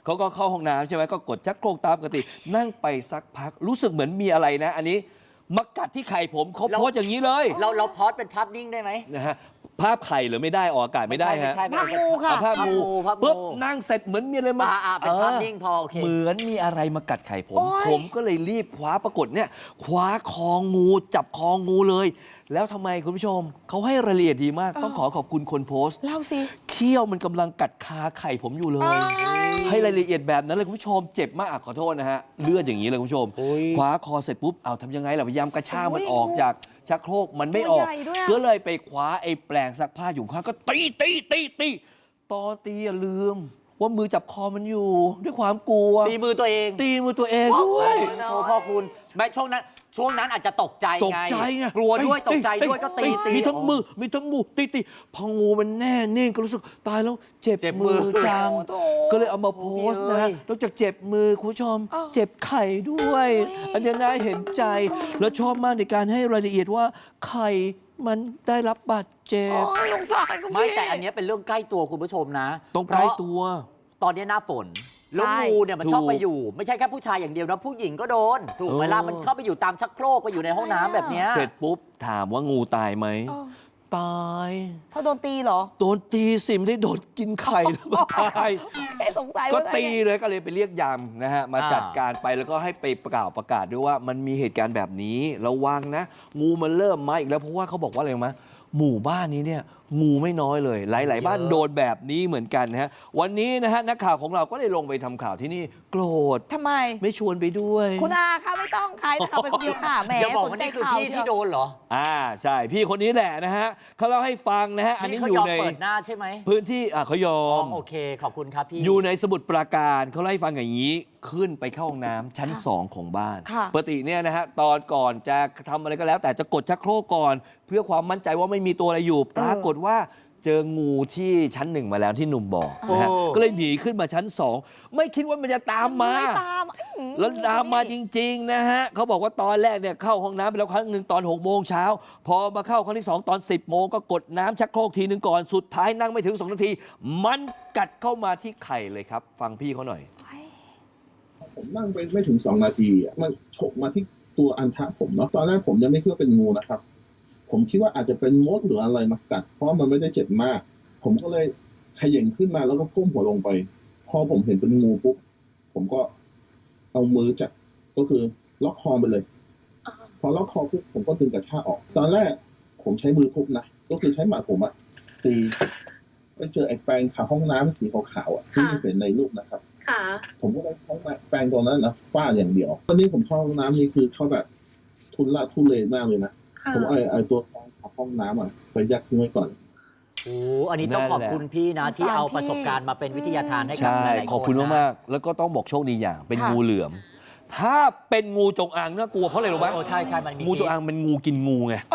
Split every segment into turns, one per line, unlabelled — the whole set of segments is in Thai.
เขาก็เข้าห้องน้ำใช่ไหมก็กดชักโครกตามปกตินั่งไปสักพักรู้สึกเหมือนมีอะไรนะ อันนี้มากัดที่ไข่ผมเขาโพสอย่างนี้เลย
เราพอสเป็นภาพนิ่งได้ไหม
นะฮะภาพไข่หรือไม่ได้ออกอากาศไม่ได้ฮะ
ภาพงูค่ะ
ภาพงูปุ๊บนั่งเสร็จเหมือนมีอะไรมา
เป็นภาพนิ่งพอโอเค
เหมือนมีอะไรมากัดไข่ผมก็เลยรีบคว้าปรากฏเนี่ยคว้าคองูจับคองูเลย แล้วทำไมคุณผู้ชมเขาให้รายละเอียดดีมากต้องขอบคุณคนโพสต์
เล่าสิ
เขี้ยวมันกำลังกัดคาไข่ผมอยู่เลย ให้รายละเอียดแบบนั้นเลยคุณผู้ชมเจ็บมากขอโทษนะฮะเลือดอย่างนี้เลยคุณผู้ชมคว้าคอเสร็จปุ๊บเอาทำยังไงล่ะพยายามกระชากมันออกจากชักโครกมันไม่ออกก็เลยไปคว้าไอ้แปลงซักผ้าอยู่ข้างก็ตีตอนตีอย่าลืมว่ามือจับคอมันอยู่ด้วยความกลัว
ตีมือตัวเอง
ด้วย
โอ้พ่อคุณไม่ช่วงนั้นอาจจะตกใจไงกลัวด้วยตกใจด้วยก็ตี
มีทั้งมือตีพองูมันแน่นิ่งก็รู้สึกตายแล้วเจ็บมือจังก็เลยเอามาโพสต์นะนอกจากเจ็บมือคุณผู้ชมเจ็บไข่ด้วยอันนี้น่าเห็นใจแล้วชอบมากในการให้รายละเอียดว่าไข่มันได้รับบาดเจ็บ
ไม่แต่อันนี้เป็นเรื่องใกล้ตัวคุณผู้ชมนะ
ต้องใกล้ตัว
ตอนนี้หน้าฝนแล้วงูเนี่ยมันชอบไปอยู่ไม่ใช่แค่ผู้ชายอย่างเดียวนะผู้หญิงก็โดนถูกเวลามันเข้าไปอยู่ตามชักโครกไปอยู่ในห้องน้ำแบบนี้
เสร็จปุ๊บถามว่างูตายไหมตาย
เพราะโดนตีเหรอ
โดนตีสิไม่ได้โดนกินไข่แล้วมันตาย
สงสัย
ก็ตีเลยก็เลยไปเรียกยามนะฮะมาจัดการไปแล้วก็ให้ไปประกาศด้วยว่ามันมีเหตุการณ์แบบนี้ระวังนะงูมันเริ่มมาอีกแล้วเพราะว่าเขาบอกว่าอะไรมั้ยหมู่บ้านนี้เนี่ยงูไม่น้อยเลยหลายๆบ้านโดนแบบนี้เหมือนกันนะฮะวันนี้นะฮะนักข่าวของเราก็ได้ลงไปทำข่าวที่นี่โกรธ
ทำไม
ไม่ชวนไปด้วย
คุณอาคะไม่ต้องใครข่าวไปคนเดียวค่ะแหม
สนใจข่าวที่โดนเหรอ
ใช่พี่คนนี้แหละนะฮะเขาเล่าให้ฟังนะฮะอันนี้อยู่ใน
เปิดหน้าใช่ไหม
พื้นที่เขายอม
โอเคขอบคุณครับพี่
อยู่ในสมุทรปราการเขาเล่าให้ฟังอย่างนี้ขึ้นไปเข้าห้องน้ำชั้น2ของบ้านปกติเนี่ยนะฮะตอนก่อนจะทำอะไรก็แล้วแต่จะกดชักโครกก่อนเพื่อความมั่นใจว่าไม่มีตัวอะไรอยู่ปรากฏว่าเจองูที่ชั้น1มาแล้วที่หนุ่มบอกนะฮะก็เลยหนีขึ้นมาชั้น2ไม่คิดว่ามันจะตามมาแล้วตามมาจริงๆนะฮะเขาบอกว่าตอนแรกเนี่ยเข้าห้องน้ำไปแล้วครั้งหนึ่งตอน6 โมงเช้าพอมาเข้าครั้งที่2ตอน10 โมงก็กดน้ำชักโครกทีนึงก่อนสุดท้ายนั่งไม่ถึง2 นาทีมันกัดเข้ามาที่ไข่เลยครับฟังพี่เขาหน่อย
ผมนั่งไปไม่ถึง2 นาทีมันฉกมาที่ตัวอันทะผมเนาะตอนแรกผมยังไม่คิดว่าเป็นงูนะครับผมคิดว่าอาจจะเป็นมดหรืออะไรมากัดเพราะมันไม่ได้เจ็บมากผมก็เลยเขย่งขึ้นมาแล้วก็ก้มหัวลงไปพอผมเห็นเป็นงูปุ๊บผมก็เอามือจับก็คือล็อกคอไปเลยพอล็อกคอปุ๊บผมก็ดึงกระชากออกตอนแรกผมใช้มือทุบนะก็คือใช้หมัดผมตีไปเจอไอ้แปรงขาห้องน้ำสีขาวๆที่เห็นในรูปนะครับผมก็ได้แปรงตรงนั้นนะฟาดอย่างเดียวตอนนี้ผมเข้าห้องน้ำนี่คือเขาแบบทุเรศมากเลยนะผมเอาตัวห้องน้ำไปยัดทิ้งไว้ก่อน
อันนี้ต้องขอบคุณพี่นะที่เอาประสบการณ์มาเป็นวิทยาทานให้กับหลายๆคน
ขอบคุณมากๆแล้วก็ต้องบอกโชคดีอย่างเป็นงูเหลือมถ้าเป็นงูจงอางน่ากลัวเพราะอะไรรู้ไหม
ใช่มันมี
งูจงอางเป็นงูกินงูไง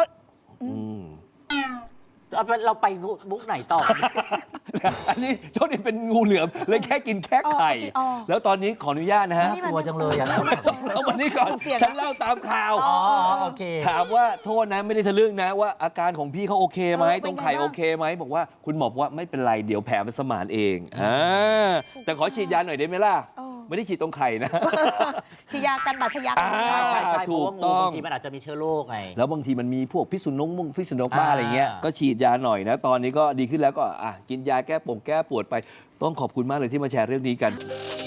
เราไปมุกไหนต่อ
อันนี้โชคดีเป็นงูเหลือมเลยแค่กินแค่ไข่แล้วตอนนี้ขออนุญาตนะฮะ
ตัวจังเลย
เอาวันนี้ก่อนฉันเล่าตามข่าว
โอเค
ถามว่าโทษนะไม่ได้ทะลึ่งนะว่าอาการของพี่เขาโอเคไหมตรงไข่โอเคไหมบอกว่าคุณหมอบอกว่าไม่เป็นไรเดี๋ยวแผลมันสมานเองแต่ขอฉีดยาหน่อยได้ไหมล่ะไม่ได้ฉีดตรงไข่นะ
ฉีดยากันบาดทะยัก
ใช่ถูกต้องบางทีมันอาจจะมีเชื้อโรคไง
แล้วบางทีมันมีพวกพิษสุนัขบ้าอะไรเงี้ยก็ฉีดยาหน่อยนะตอนนี้ก็ดีขึ้นแล้วก็กินยาแก้ปวดไปต้องขอบคุณมากเลยที่มาแชร์เรื่องนี้กัน